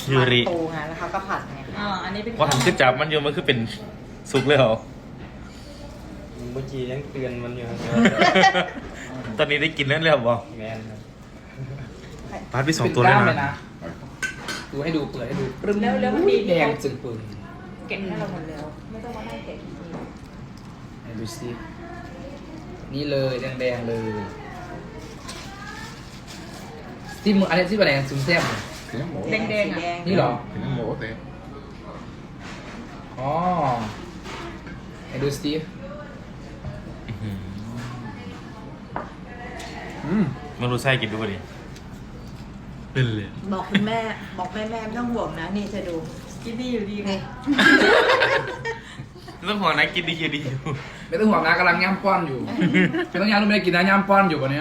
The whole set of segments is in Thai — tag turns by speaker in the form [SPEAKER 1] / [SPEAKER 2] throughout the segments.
[SPEAKER 1] ยูริ
[SPEAKER 2] ปูไงแล้วเขาก็ผัดไง
[SPEAKER 3] อันนี้เป็น
[SPEAKER 1] ว่าทำขึ้นจับมันอยู่มันคือเป็นสุกเลยเหรอ
[SPEAKER 4] เมื่อกี้ยังเตือนมันอยู่ครับ
[SPEAKER 1] ตอนนี้ได้กินแล้วเลยเหรอ
[SPEAKER 4] แมนครับ
[SPEAKER 1] พาร์ทที่สองตัวเลย
[SPEAKER 5] เป็นกล้าม
[SPEAKER 1] นะ
[SPEAKER 5] ดูให้ดูเปิดให้ดู
[SPEAKER 3] แล้วมันดี
[SPEAKER 5] แดงจึงปืน
[SPEAKER 3] เก็บให้เราหมดแล้ว ไม่ต้องมานั่งเก็บที
[SPEAKER 5] ให้ดูสินี่เลยแดงๆเลยที่มึงอันนี้ที่เป็นอะไรซุ้มแซ่บ
[SPEAKER 3] แดงๆอ่ะ
[SPEAKER 5] นี่เหรอ
[SPEAKER 6] ถึงหมูเตะ
[SPEAKER 5] อ๋อให้ดูสิอืม
[SPEAKER 1] มันรู้ไส้กินดูป่ะดิเป็นเลย
[SPEAKER 2] บอกคุณแม่บอกแม่ไม่ต้องห่วงนะนี่จะดู
[SPEAKER 3] กินดีอยู่ดี
[SPEAKER 2] นี่
[SPEAKER 1] ต้องห่วงนะกินดีอยู่ดีอยู่
[SPEAKER 5] ไม่ต้องห่วงนะกำลังย่ำป้อนอยู่ไม่ต้องย่ำรู้ไม่ได้กินนะย่ำป้อนอยู่วันนี้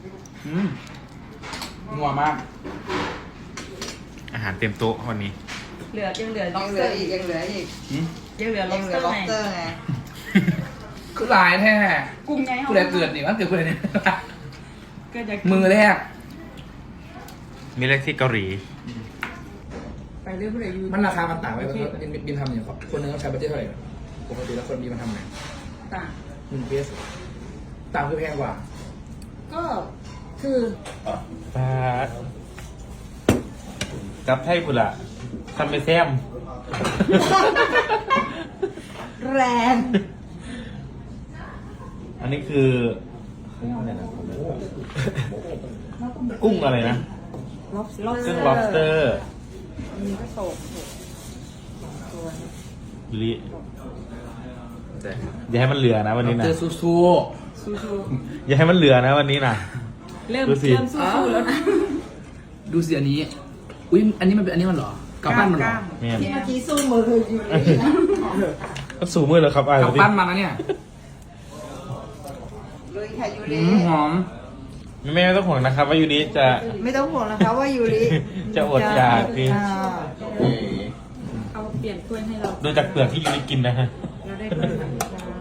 [SPEAKER 5] งัวมาก
[SPEAKER 1] อาหารเต็มโต๊ะวันนี้
[SPEAKER 3] เหลือยังเหลือ
[SPEAKER 2] ยังเหลืออีกยังเหลืออีก
[SPEAKER 3] ยังเหลือ
[SPEAKER 2] ยังเหลือ
[SPEAKER 3] lobster
[SPEAKER 2] lobster ไง
[SPEAKER 5] คือหลายแท้
[SPEAKER 3] กุ้งไง
[SPEAKER 5] กูได้เกิดนี่มันเกิดกูได้เนี่ย
[SPEAKER 3] ก็จะ
[SPEAKER 5] มือแรก
[SPEAKER 1] มีเลขที่เกาหลี
[SPEAKER 3] ไปเรื่อยๆอยู่
[SPEAKER 5] มันราคามันต่างไปบินทำอย่างคนนึงต้องใช้บัตเจ็ตเท่าไหร่ปกติแล้วคนบินมันทำไง
[SPEAKER 3] ต่าง
[SPEAKER 5] 1 เพสต่างคือแพงกว่า
[SPEAKER 3] ก็คือ
[SPEAKER 1] ปาดกับไทยพุ่นละทำไปแซม
[SPEAKER 2] แรง
[SPEAKER 1] อันนี้คือกุ้งอะไรนะ
[SPEAKER 2] lobster
[SPEAKER 1] กุ้ง lobster
[SPEAKER 2] มีก็โศกตัว
[SPEAKER 1] ยูริอย่าให้มันเหลือนะวันนี้นะ
[SPEAKER 5] เจอซูซู
[SPEAKER 1] อย่าให้มันเหลือนะวันนี้นะ
[SPEAKER 3] เริ่ม
[SPEAKER 1] ดูสิ
[SPEAKER 3] สู้ๆแล้วนะ
[SPEAKER 5] ดูสิอันนี้ อุ้ยอันนี้มันเป็นอันนี้มันเหรอ กำปั้นมันเหรอ
[SPEAKER 1] เนี่ย
[SPEAKER 2] ที่เมื่อกี้สู้มืออยู่นะ
[SPEAKER 1] ก็สูงมือเลยครับอ่ะ
[SPEAKER 5] กำปั้นมันนะเนี่ย
[SPEAKER 2] ลุยค่ะยูริ
[SPEAKER 5] หอม
[SPEAKER 1] แม่ไม่ต้องห่วงนะครับ ว่ายูริจะ
[SPEAKER 2] ไม่ต้องห่วงนะคะว่ายูริ
[SPEAKER 1] จะอดอยากดิ
[SPEAKER 2] อ่า
[SPEAKER 3] เอาเปลี่ยนถ้วยให้เรา
[SPEAKER 1] ดูจากเปลือกที่ยูริกินนะฮะ
[SPEAKER 3] เราได้ถ้วยแบบนี้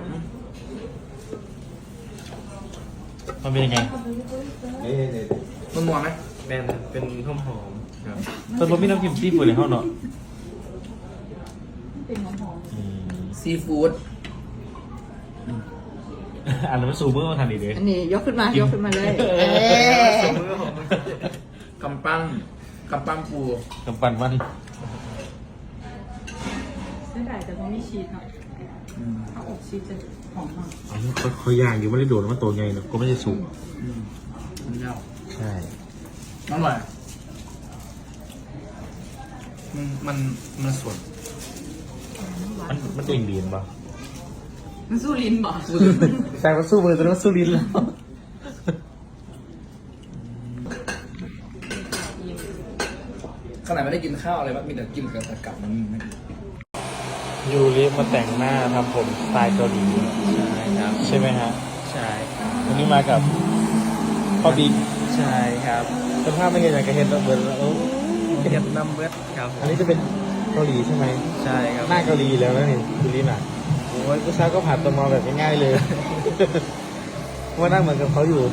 [SPEAKER 1] มันเป็นยังไง
[SPEAKER 5] มันมัวไหม
[SPEAKER 4] แมนเป็นหอมครับ
[SPEAKER 1] ส่วนผมมีน้ำจิ้มซีฟู้ดในห้องเนาะ
[SPEAKER 3] เป็นหอม
[SPEAKER 1] อืม
[SPEAKER 5] ซีฟู้ด
[SPEAKER 1] อันนั้นมันสูงมือมาทันดีเลย
[SPEAKER 2] อันนี้ยกขึ้นมายกขึ้นมาเลย
[SPEAKER 4] สมมือหอม
[SPEAKER 5] กำปั้นกำปั้นปู
[SPEAKER 1] กำปั้นมัน
[SPEAKER 3] ๆเส้นใหญ่แต่ต้องมีชีสเนาะถ้าอบชีสจะหอมมาก
[SPEAKER 1] เขาย่างอยู่ไม่ได้โดดมันโตไงเนาะก็ไม่ได้สูง
[SPEAKER 5] มันยาว
[SPEAKER 1] ใช่
[SPEAKER 5] อร่อยมันสด
[SPEAKER 1] มันเด้งดีนป่ะ
[SPEAKER 3] มันสู้ลิ้นบ่
[SPEAKER 1] แต่มันสู้มือแต่มันสู้ลิ้นแล้ว
[SPEAKER 5] ขนาดไม่ได้กินข้าวอะไรวะมีแต่กินกับมัน
[SPEAKER 1] ยูริมาแต่งหน้าทำผมสไตล์เกาหลี
[SPEAKER 4] ใช่ครับ
[SPEAKER 1] ใช่ไหมฮะ
[SPEAKER 4] ใช่
[SPEAKER 1] วันนี้มากับพ่อบิ๊ก
[SPEAKER 4] ใช่ครับ
[SPEAKER 1] สภาพไม่เห็นอย่างกระเห็นแล้วเหมือนเออ
[SPEAKER 4] เก็บน้ำเบิดครับ
[SPEAKER 1] อันนี้จะเป็นเกาหลีใช่ไหม
[SPEAKER 4] ใช่ครับ
[SPEAKER 1] หน้าเกาหลีแล้วนะนี่ยูริน่ะโอ้ยผู้ชายก็ผ่านตัวมาแบบง่ายๆเลย ว่าหน้าเหมือนกับเขาอยู่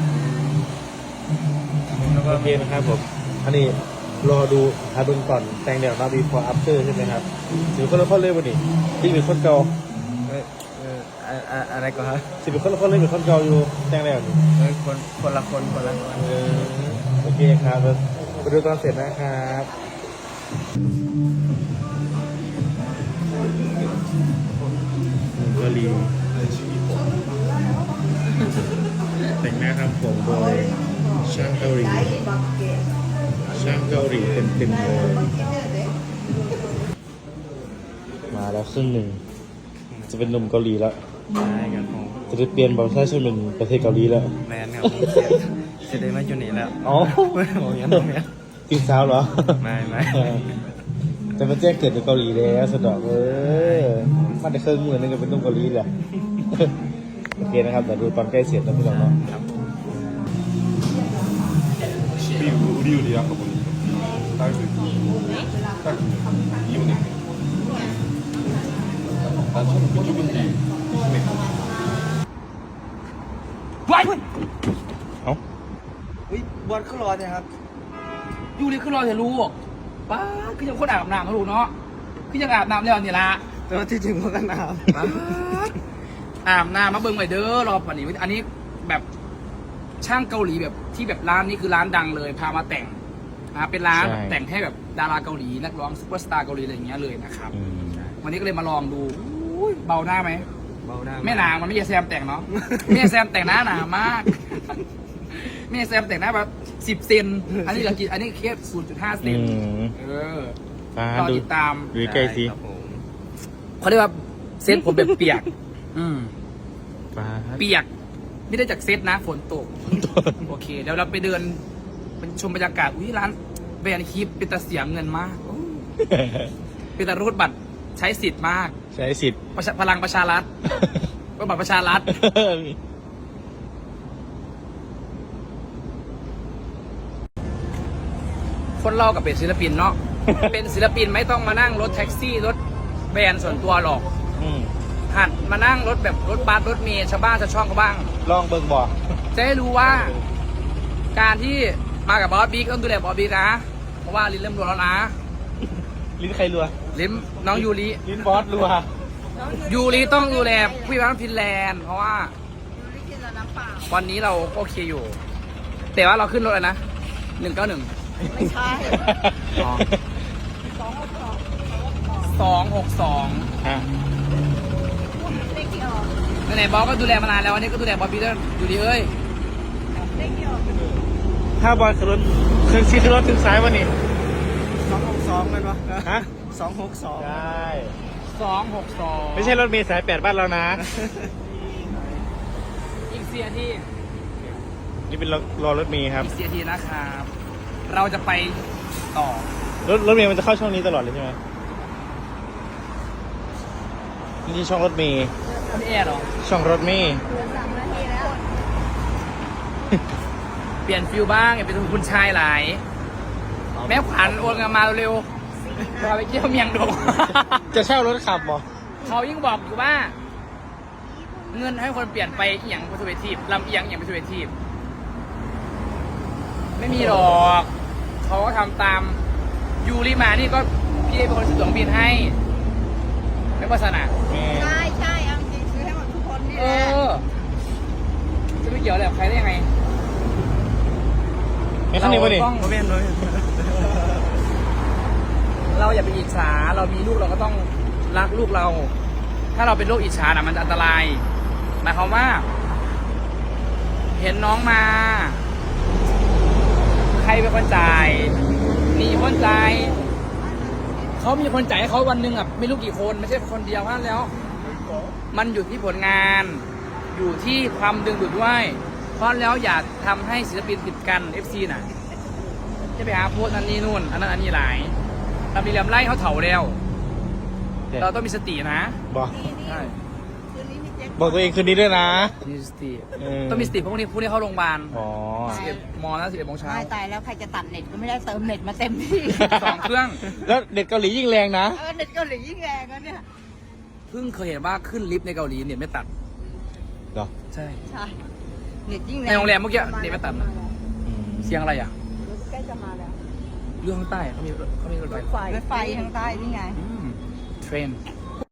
[SPEAKER 4] แล้วก็
[SPEAKER 1] โอเคนะครับผมอันนี้รอดูอาดุลก่อนแต่งเดี๋ยวมา before after ใช่ไหมครับสิบคนละคนเลยวันนี้ที่เป็นคนเก่า
[SPEAKER 4] อะไรก็ครับ
[SPEAKER 1] สิบเป็นคนละคนเลยเป็นคนเก่าอยู่แต่งแล้วนี่
[SPEAKER 4] คนละคน
[SPEAKER 1] เออโอเคครับไปดูตอนเสร็จนะครับเกาหลีแต่งหน้าทำผมโดยช่างเกาหลีช่างเกาหลีเต็มๆเลยมาแล้วครึ่งหนึ่งจะเป็นหนุ่มเกาหลีแล้ว
[SPEAKER 4] ใช่ครับผม
[SPEAKER 1] จะได้เปลี่ยนบัตรประชาชนเป็นประเทศเกาหลีแล้ว
[SPEAKER 4] แมนครับผมเสร็จได้มาจุดนี้แล้ว
[SPEAKER 1] อ๋อ
[SPEAKER 4] ผมยังไม่
[SPEAKER 1] ตีสาวเหรอ
[SPEAKER 4] ไม่
[SPEAKER 1] แต่มาแจ้งเกิดในเกาหลีแล้วสะดอกมาได้เครื่องมือนึงก็เป็นนุ่มเกาหลีแหละ โอเคนะครับเดี๋ยวดูตอนใกล้เสร็จนะพี่น้องเนาะ
[SPEAKER 6] 우리 요리 아까 보니까 딸수 있고 딱 이혼했네 난 처음에 그쪽인지 의심했거든
[SPEAKER 1] เอ้า
[SPEAKER 4] บอลขึ้นรอใช่ครับ
[SPEAKER 5] ยูริขึ้นรอเถอะลูกป้าคือยังคนอาบน้ำเขารู้เนาะคือยังอาบน้ำแล้วนี่ละ
[SPEAKER 4] แต่ว่าที่จริงมันก็หนาว
[SPEAKER 5] ป๊าดอาบน้ำมาเบิ่งไว้เด้อรอป่านนี้อันนี้แบบช่างเกาหลีแบบที่แบบร้านนี้คือร้านดังเลยพามาแต่งนะเป็นร้านแบบแต่งให้แบบดาราเกาหลีนักร้องซุปเปอร์สตาร์เกาหลีอะไรอย่างเงี้ยเลยนะครับ
[SPEAKER 1] อืม
[SPEAKER 5] วันนี้ก็เลยมาลองดูอุ้ยเบาหน้าไหม
[SPEAKER 4] เบาหน้า
[SPEAKER 5] ไม่หนามันไม่ใช่แซมแต่งเนาะไม่ใช่แซมแต่งหน้าหนามากไม่ใช่แซมแต่งหน้าแบบ10 เซนอันนี้เรากินอันนี้แค่ 0.5 เซ
[SPEAKER 1] อื
[SPEAKER 5] น
[SPEAKER 1] ม
[SPEAKER 5] เออ
[SPEAKER 1] ฟ้าร
[SPEAKER 5] อ
[SPEAKER 1] ดู
[SPEAKER 5] ติดตาม
[SPEAKER 1] ดูใกล้สิ
[SPEAKER 4] ครับผม
[SPEAKER 5] เขาเรียกว่าเซตผมแบบเปียก
[SPEAKER 1] ฟ้า
[SPEAKER 5] เปียกไม่ได้จากเซตนะฝนตก โอเคเดี๋ยวเราไปเดินเป็นชมบรรยากาศอุ้ยร้านแบรนด์คลิปเป็นตาเสียเงินมากโอ้เป็นตารูดบัตรใช้สิทธิ์มาก
[SPEAKER 1] ใช้สิทธิ์
[SPEAKER 5] พลังประชารัฐก็บัตรประชารัฐคนเรากับเป็นศิลปินเนาะ เป็นศิลปินไม่ต้องมานั่งรถแท็กซี่รถแบรนด์ส่วนตัวหรอก
[SPEAKER 1] อืม
[SPEAKER 5] หัดมานั่งรถแบบรถบัสรถเมล์ชาวบ้านชาวช่องเขาบ้าง
[SPEAKER 1] ลองเบิ่งบอก
[SPEAKER 5] จะได้รู้ว่า การที่มากับบอสบิ๊กต้องดูแลบอสบิ๊กนะ เพราะว่าลิ้นเริ่มรัวแล้วนะ
[SPEAKER 1] ลิ้นใครรัว
[SPEAKER 5] ลิ้นน้องยูริ
[SPEAKER 1] ลิ้นบอสรัว
[SPEAKER 5] ยูริต้องดูแลผู้พิพากษาฟินแลนด์ เพราะว่าวันนี้เราก็โอเคอยู่ แต่ว่าเราขึ้นรถอะไรนะ191
[SPEAKER 2] ไม่ใช่
[SPEAKER 5] 262
[SPEAKER 1] อ่ะ
[SPEAKER 2] เลขที่ออก
[SPEAKER 5] ไหนๆบอสก็ดูแลมานานแล้ววันนี้ก็ดูแลบอสบิ๊กด้วยยูริเอ้ย
[SPEAKER 2] เลขที่ออก
[SPEAKER 1] ถ้าบอลขึ้นรถขึ้นรถถึงซ้ายวันนี้
[SPEAKER 4] 262เลยปะ
[SPEAKER 1] ฮะ
[SPEAKER 4] 262
[SPEAKER 1] ใช่
[SPEAKER 5] 262
[SPEAKER 1] ไม่ใช่รถเมล์สาย8บ้านเรานะ
[SPEAKER 5] อีก4 นาที
[SPEAKER 1] นี่เป็นรอรถเมล์ครับ
[SPEAKER 5] อีก4 นาทีนะครับ เราจะไปต่อ
[SPEAKER 1] รถเมล์มันจะเข้าช่องนี้ตลอดเลยใช่ไหมนี่ช่องรถเมล์
[SPEAKER 5] คุณแอร์เหรอ
[SPEAKER 1] ช่องรถเมล์
[SPEAKER 2] เหลือ3 นาทีแล้ว
[SPEAKER 5] เปลี่ยนฟิลบ้างอย่าเป็นคุณชายหลาย แม่ขวัญโอนเงินมาเร็วๆพาไปเที่ยวเมียงดง
[SPEAKER 1] จะเช่ารถขับบ่
[SPEAKER 5] เขายิ่งบอกอยู่ว่า เงินให้คนเปลี่ยนไปเอียงไปสุเวทีลำเอียงเอียงไปสุเวทีไม่มีหรอก เขาก็ทำตามยูริมานี่ก็พี่ได้เป็นคนซื้อตั๋วเครื่องบินให้ ไม่ว่าสนะ
[SPEAKER 1] แม่
[SPEAKER 2] ใช่ใช่เอาจริงซื้อให้หมดทุกคนนี่
[SPEAKER 5] เอ
[SPEAKER 2] แหละ
[SPEAKER 5] อ จะไม่เกี่ยวอะไรกับใครได้ยังไง
[SPEAKER 1] ไม่ข้างในวะนี่
[SPEAKER 5] เราต้องเราอย่าไปอิจฉาเรามีลูกเราก็ต้องรักลูกเรา ถ้าเราเป็นโรคอิจฉาน่ะมันจะอันตรายหมายความว่า เห็นน้องมา ใครเป็นคนจ่ายมีคนจ่ายเขามีคนจ่ายให้เขาวันหนึ่งอ่ะไม่รู้กี่คนไม่ใช่คนเดียวนั่นแล้ว มันอยู่ที่ผลงาน อยู่ที่ความดึงดูดด้วย เพราะแล้วอย่าทำให้ศิลปินติดกัน FC น่ะจะไปหาโพสต์อันนี้นู่นอันนั้นอันนี้หลายทำดีเหลี่ยมไล่เขาเถาแล้ว เราต้องมีสตินะ
[SPEAKER 1] บอก
[SPEAKER 5] ใช่
[SPEAKER 2] คืนนี้มีเจ๊ก
[SPEAKER 1] บอกตัวเองคืนนี้ด้วยนะ
[SPEAKER 5] มีสติ
[SPEAKER 1] เออ
[SPEAKER 5] ต้องมีสติเพราะพวกนี้เข้าโรงพยาบาล
[SPEAKER 1] อ๋อ
[SPEAKER 5] 11 โมงนะ11 โมงเช้า
[SPEAKER 2] ตายตายแล้วใครจะตัดเน็ตก็ไม่ได้เติมเน็ตมาเต็มที่
[SPEAKER 5] 2 เครื่อง
[SPEAKER 1] แล้วเด็กเกาหลียิ่งแรงนะ
[SPEAKER 2] เน็ตเกาหลียิ่งแรงแล้วเนี่ย
[SPEAKER 5] เพิ่งเคยเห็นว่าขึ้นลิฟต์ในเกาหลีเนี่ยไม่ตัด
[SPEAKER 1] เหรอ
[SPEAKER 5] ใช่
[SPEAKER 2] ใช่เน็ตยิ่งแรง
[SPEAKER 5] ในโรงแรมเมื่อกี้เน็ตไม่ตัดนะ
[SPEAKER 1] อืม
[SPEAKER 5] เสียงอะไรอ่ะ
[SPEAKER 2] ใกล้จะมาแล้ว
[SPEAKER 5] เรื่องข้างใต้เขามีรถไฟ
[SPEAKER 2] รถไฟทางใต้นี่ไง
[SPEAKER 5] เทรน